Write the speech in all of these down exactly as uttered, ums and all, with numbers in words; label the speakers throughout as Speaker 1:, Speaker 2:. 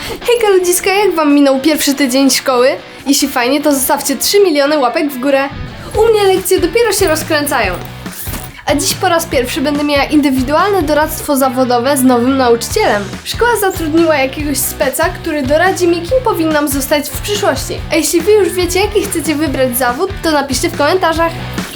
Speaker 1: Hejka ludziska, jak wam minął pierwszy tydzień szkoły? Jeśli fajnie, to zostawcie trzy miliony łapek w górę. U mnie lekcje dopiero się rozkręcają. A dziś po raz pierwszy będę miała indywidualne doradztwo zawodowe z nowym nauczycielem. Szkoła zatrudniła jakiegoś speca, który doradzi mi, kim powinnam zostać w przyszłości. A jeśli wy już wiecie, jaki chcecie wybrać zawód, to napiszcie w komentarzach.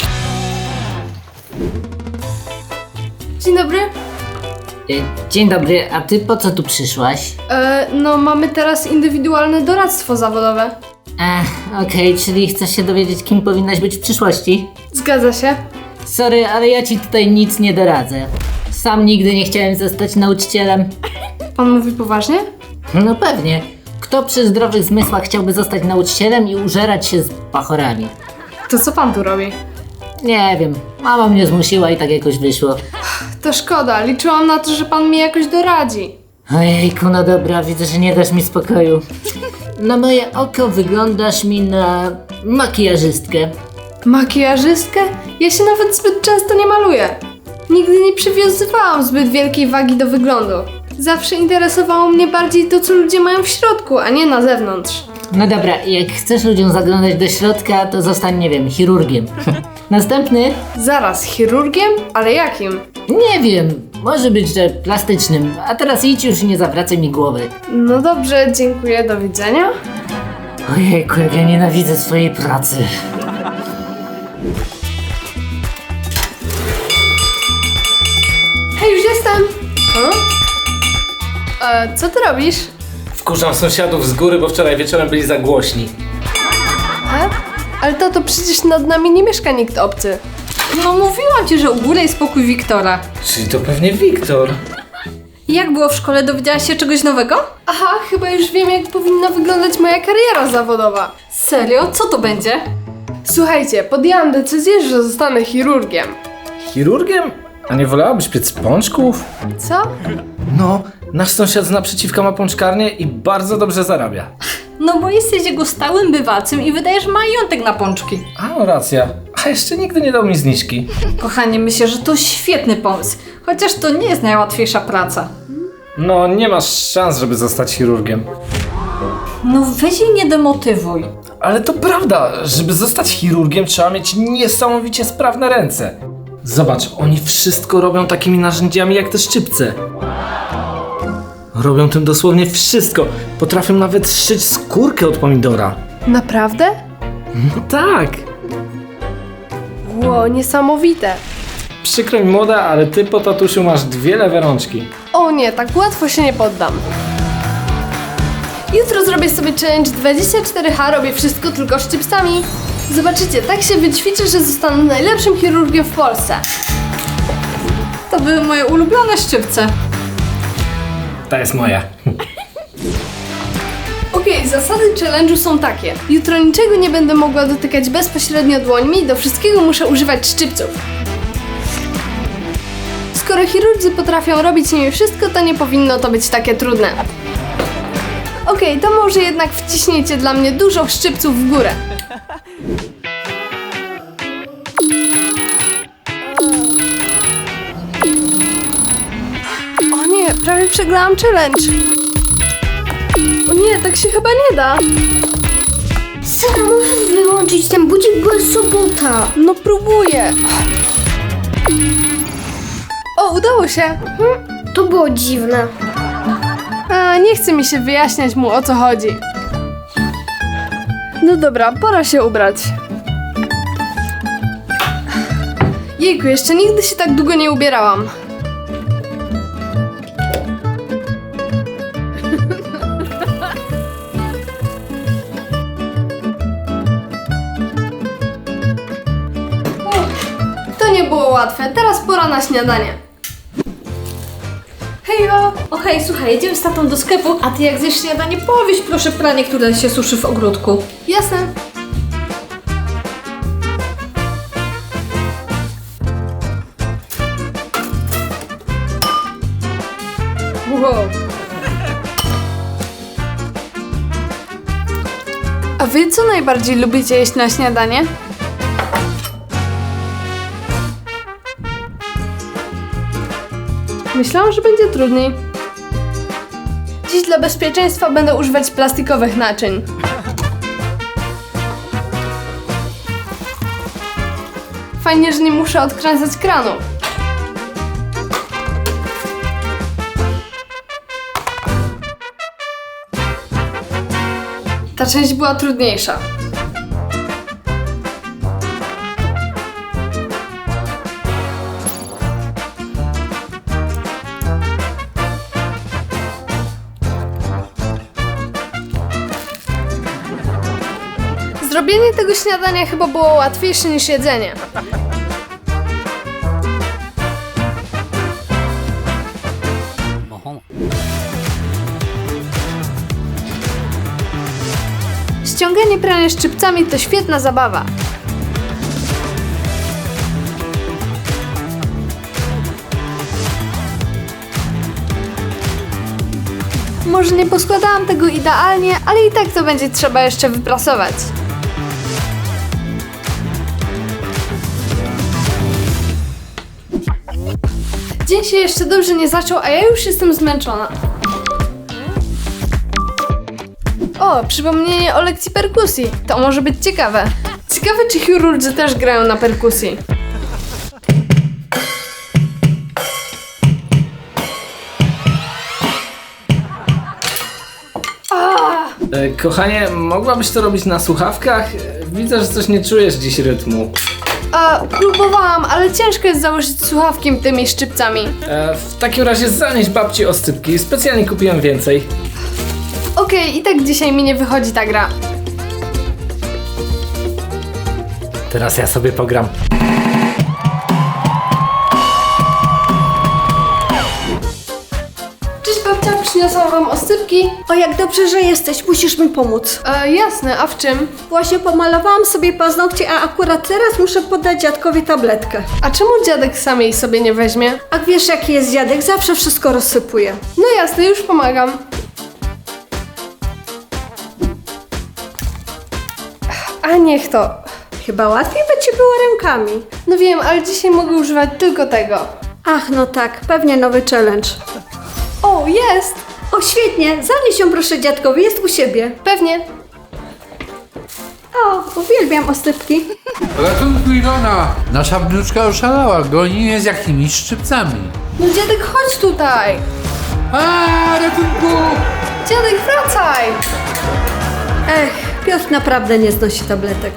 Speaker 1: Dzień dobry.
Speaker 2: Dzień dobry, a ty po co tu przyszłaś?
Speaker 1: E, no mamy teraz indywidualne doradztwo zawodowe.
Speaker 2: Ech, okej, okay, czyli chcesz się dowiedzieć, kim powinnaś być w przyszłości?
Speaker 1: Zgadza się.
Speaker 2: Sorry, ale ja ci tutaj nic nie doradzę. Sam nigdy nie chciałem zostać nauczycielem.
Speaker 1: Pan mówi poważnie?
Speaker 2: No pewnie. Kto przy zdrowych zmysłach chciałby zostać nauczycielem i użerać się z bachorami?
Speaker 1: To co pan tu robi?
Speaker 2: Nie wiem, mama mnie zmusiła i tak jakoś wyszło.
Speaker 1: To szkoda, liczyłam na to, że pan mi jakoś doradzi.
Speaker 2: Ojejku, no dobra, widzę, że nie dasz mi spokoju. Na moje oko wyglądasz mi na makijażystkę.
Speaker 1: Makijażystkę? Ja się nawet zbyt często nie maluję. Nigdy nie przywiązywałam zbyt wielkiej wagi do wyglądu. Zawsze interesowało mnie bardziej to, co ludzie mają w środku, a nie na zewnątrz.
Speaker 2: No dobra, jak chcesz ludziom zaglądać do środka, to zostań, nie wiem, chirurgiem. Następny?
Speaker 1: Zaraz, chirurgiem? Ale jakim?
Speaker 2: Nie wiem, może być, że plastycznym. A teraz idź już i nie zawracaj mi głowy.
Speaker 1: No dobrze, dziękuję, do widzenia.
Speaker 2: Ojejku, jak ja nienawidzę swojej pracy.
Speaker 1: Hej, już jestem! Hmm? E, co ty robisz?
Speaker 3: Wkurzam sąsiadów z góry, bo wczoraj wieczorem byli za głośni.
Speaker 1: E? Ale tato, przecież nad nami nie mieszka nikt obcy.
Speaker 4: No mówiłam ci, że u góry jest pokój Wiktora.
Speaker 3: Czyli to pewnie Wiktor.
Speaker 4: Jak było w szkole? Dowiedziałaś się czegoś nowego?
Speaker 1: Aha, chyba już wiem, jak powinna wyglądać moja kariera zawodowa.
Speaker 4: Serio? Co to będzie?
Speaker 1: Słuchajcie, podjęłam decyzję, że zostanę chirurgiem.
Speaker 3: Chirurgiem? A nie wolałabyś piec pączków?
Speaker 1: Co?
Speaker 3: No, nasz sąsiad z naprzeciwka ma pączkarnię i bardzo dobrze zarabia.
Speaker 4: No bo jesteś jego stałym bywacym i wydajesz majątek na pączki.
Speaker 3: A, no racja. A jeszcze nigdy nie dał mi zniżki.
Speaker 4: Kochanie, myślę, że to świetny pomysł. Chociaż to nie jest najłatwiejsza praca.
Speaker 3: No, nie masz szans, żeby zostać chirurgiem.
Speaker 4: No weź jej nie demotywuj.
Speaker 3: Ale to prawda, żeby zostać chirurgiem trzeba mieć niesamowicie sprawne ręce. Zobacz, oni wszystko robią takimi narzędziami jak te szczypce. Robią tym dosłownie wszystko. Potrafią nawet szyć skórkę od pomidora.
Speaker 1: Naprawdę?
Speaker 3: No tak.
Speaker 1: Ło, niesamowite.
Speaker 3: Przykro mi młoda, ale ty po tatusiu masz dwie lewe rączki.
Speaker 1: O nie, tak łatwo się nie poddam. Jutro zrobię sobie challenge dwadzieścia cztery H, robię wszystko tylko szczypcami. Zobaczycie, tak się wyćwiczę, że zostanę najlepszym chirurgiem w Polsce.
Speaker 4: To były moje ulubione szczypce.
Speaker 3: Ta jest moja.
Speaker 1: Okej, okay, zasady challenge'u są takie. Jutro niczego nie będę mogła dotykać bezpośrednio dłońmi, do wszystkiego muszę używać szczypców. Skoro chirurdzy potrafią robić nimi wszystko, to nie powinno to być takie trudne. Okej, okay, to może jednak wciśnijcie dla mnie dużo szczypców w górę. O nie, prawie przegrałam challenge. O nie, tak się chyba nie da.
Speaker 5: Sara, możesz wyłączyć ten budzik, bo jest sobota.
Speaker 1: No próbuję. O, udało się.
Speaker 5: Hmm, to było dziwne.
Speaker 1: A, nie chce mi się wyjaśniać mu, o co chodzi. No dobra, pora się ubrać. Jejku, jeszcze nigdy się tak długo nie ubierałam. To nie było łatwe, teraz pora na śniadanie. Hejo!
Speaker 4: O hej, słuchaj, jedziemy z tatą do sklepu, a ty jak zjesz śniadanie, powieź proszę pranie, które się suszy w ogródku.
Speaker 1: Jasne. Wow. A wy co najbardziej lubicie jeść na śniadanie? Myślałam, że będzie trudniej. Dziś dla bezpieczeństwa będę używać plastikowych naczyń. Fajnie, że nie muszę odkręcać kranu. Ta część była trudniejsza. Zrobienie tego śniadania chyba było łatwiejsze niż jedzenie. Ściąganie prania szczypcami to świetna zabawa. Może nie poskładałam tego idealnie, ale i tak to będzie trzeba jeszcze wyprasować. Dzień się jeszcze dobrze nie zaczął, a ja już jestem zmęczona. O, przypomnienie o lekcji perkusji. To może być ciekawe. Ciekawe, czy chirurdzy też grają na perkusji.
Speaker 3: E, kochanie, mogłabyś to robić na słuchawkach? E, Widzę, że coś nie czujesz dziś rytmu.
Speaker 1: A, próbowałam, ale ciężko jest założyć słuchawki tymi szczypcami.
Speaker 3: E, w takim razie zanieś babci oscypki, specjalnie kupiłem więcej.
Speaker 1: Okej, i tak dzisiaj mi nie wychodzi ta gra.
Speaker 3: Teraz ja sobie pogram.
Speaker 1: Cześć babcia, przyniosłam wam oscypki.
Speaker 4: O, jak dobrze, że jesteś, musisz mi pomóc.
Speaker 1: E, jasne, a w czym?
Speaker 4: Właśnie pomalowałam sobie paznokcie, a akurat teraz muszę podać dziadkowi tabletkę.
Speaker 1: A czemu dziadek sam jej sobie nie weźmie?
Speaker 4: A wiesz, jaki jest dziadek? Zawsze wszystko rozsypuje.
Speaker 1: No jasne, już pomagam. A niech to.
Speaker 4: Chyba łatwiej by ci było rękami.
Speaker 1: No wiem, ale dzisiaj mogę używać tylko tego.
Speaker 4: Ach, no tak, pewnie nowy challenge.
Speaker 1: O, jest!
Speaker 4: O, świetnie, zanieś ją proszę dziadkowi, jest u siebie.
Speaker 1: Pewnie.
Speaker 4: O, uwielbiam oscypki.
Speaker 6: Ratunku Ilona! Nasza wnuczka oszalała, goni mnie z jakimiś szczypcami.
Speaker 1: No dziadek, chodź tutaj!
Speaker 6: A, ratunku!
Speaker 1: Dziadek, wracaj!
Speaker 4: Ech, Piotr naprawdę nie znosi tabletek.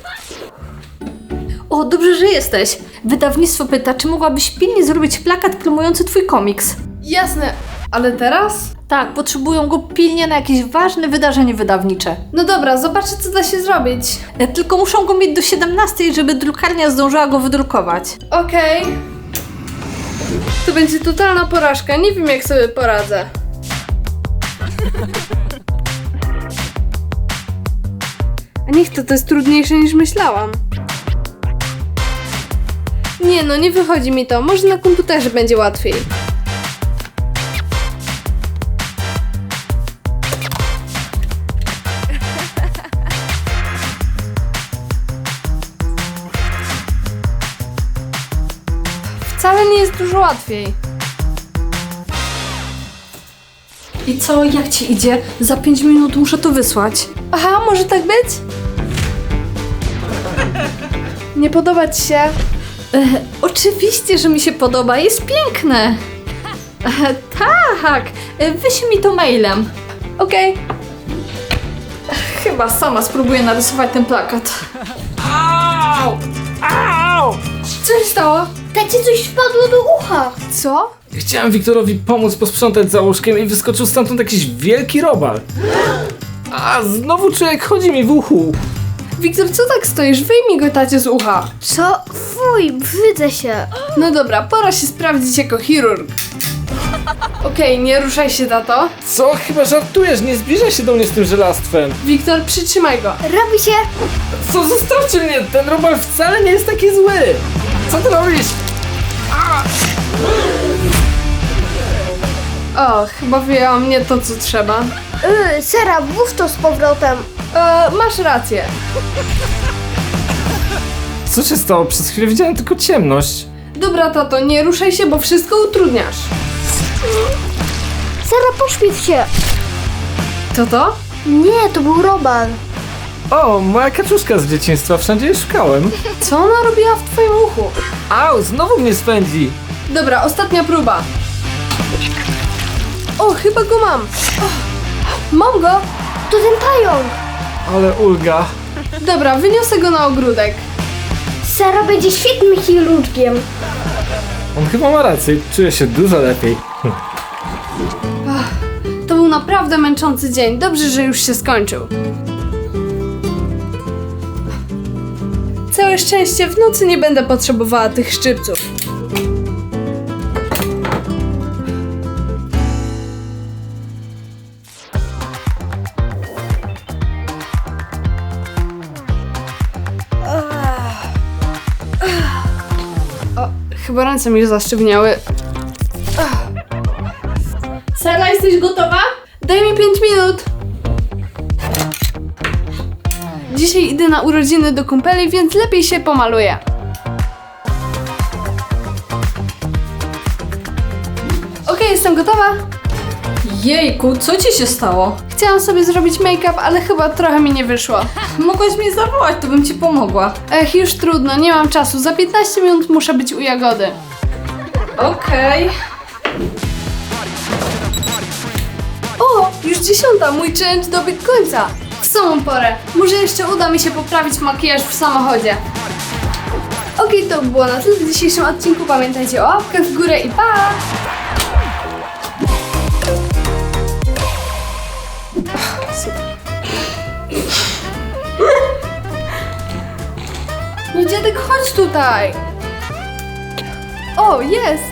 Speaker 4: O, dobrze, że jesteś. Wydawnictwo pyta, czy mogłabyś pilnie zrobić plakat promujący twój komiks.
Speaker 1: Jasne, ale teraz?
Speaker 4: Tak, potrzebują go pilnie na jakieś ważne wydarzenie wydawnicze.
Speaker 1: No dobra, zobaczę, co da się zrobić.
Speaker 4: E, Tylko muszą go mieć do siedemnastej, żeby drukarnia zdążyła go wydrukować.
Speaker 1: Okej. To będzie totalna porażka, nie wiem, jak sobie poradzę. A niech to, to jest trudniejsze niż myślałam. Nie no, nie wychodzi mi to. Może na komputerze będzie łatwiej. Wcale nie jest dużo łatwiej.
Speaker 4: I co, jak ci idzie? Za pięć minut muszę to wysłać.
Speaker 1: Aha, może tak być? Nie podoba ci się?
Speaker 4: E, oczywiście, że mi się podoba, jest piękne. E, tak, e, wyślij mi to mailem.
Speaker 1: Okej.
Speaker 4: Chyba sama spróbuję narysować ten plakat.
Speaker 1: Co się stało?
Speaker 5: Tacie coś wpadło do ucha.
Speaker 1: Co?
Speaker 3: Chciałem Wiktorowi pomóc posprzątać za łóżkiem i wyskoczył stamtąd jakiś wielki robal. A znowu czuję, jak chodzi mi w uchu.
Speaker 1: Wiktor, co tak stoisz? Wyjmij go tacie z ucha.
Speaker 5: Co? Fuj, brzydzę się.
Speaker 1: No dobra, pora się sprawdzić jako chirurg. Okej, nie ruszaj się, tato.
Speaker 3: Co? Chyba żartujesz, nie zbliżaj się do mnie z tym żelastwem.
Speaker 1: Wiktor, przytrzymaj go.
Speaker 5: Robi się.
Speaker 3: Co? Zostawcie mnie, ten robal wcale nie jest taki zły. Co ty robisz?
Speaker 1: O, chyba wyjęłam nie to, co trzeba.
Speaker 5: Yy, Sera, włóż to z powrotem.
Speaker 1: E, masz rację.
Speaker 3: Co się stało? Przez chwilę widziałem tylko ciemność.
Speaker 1: Dobra, tato, nie ruszaj się, bo wszystko utrudniasz.
Speaker 5: Sara, pośpiesz się.
Speaker 1: To to?
Speaker 5: Nie, to był Roban.
Speaker 3: O, moja kaczuszka z dzieciństwa, wszędzie jej szukałem.
Speaker 1: Co ona robiła w twoim uchu?
Speaker 3: Au, znowu mnie spędzi.
Speaker 1: Dobra, ostatnia próba. O, chyba go mam. O, mam go.
Speaker 5: To ten pająk.
Speaker 3: Ale ulga.
Speaker 1: Dobra, wyniosę go na ogródek.
Speaker 5: Sara będzie świetnym chirurgiem.
Speaker 3: On chyba ma rację, czuję się dużo lepiej.
Speaker 1: To był naprawdę męczący dzień. Dobrze, że już się skończył. Całe szczęście, w nocy nie będę potrzebowała tych szczypców. O, chyba ręce mi zasztywniały. Sara, jesteś gotowa? Daj mi pięć minut. Dzisiaj idę na urodziny do kumpeli, więc lepiej się pomaluję. Okej, jestem gotowa.
Speaker 4: Jejku, co ci się stało?
Speaker 1: Chciałam sobie zrobić make-up, ale chyba trochę mi nie wyszło.
Speaker 4: Mogłaś mnie zawołać, to bym ci pomogła.
Speaker 1: Ech, już trudno, nie mam czasu. Za piętnaście minut muszę być u Jagody.
Speaker 4: Okej.
Speaker 1: O, już dziesiąta, mój challenge dobiegł końca. W samą porę. Może jeszcze uda mi się poprawić makijaż w samochodzie. Okej, to było na tyle w dzisiejszym odcinku. Pamiętajcie o łapkach w górę i pa! No dziadek, chodź tutaj. O, jest.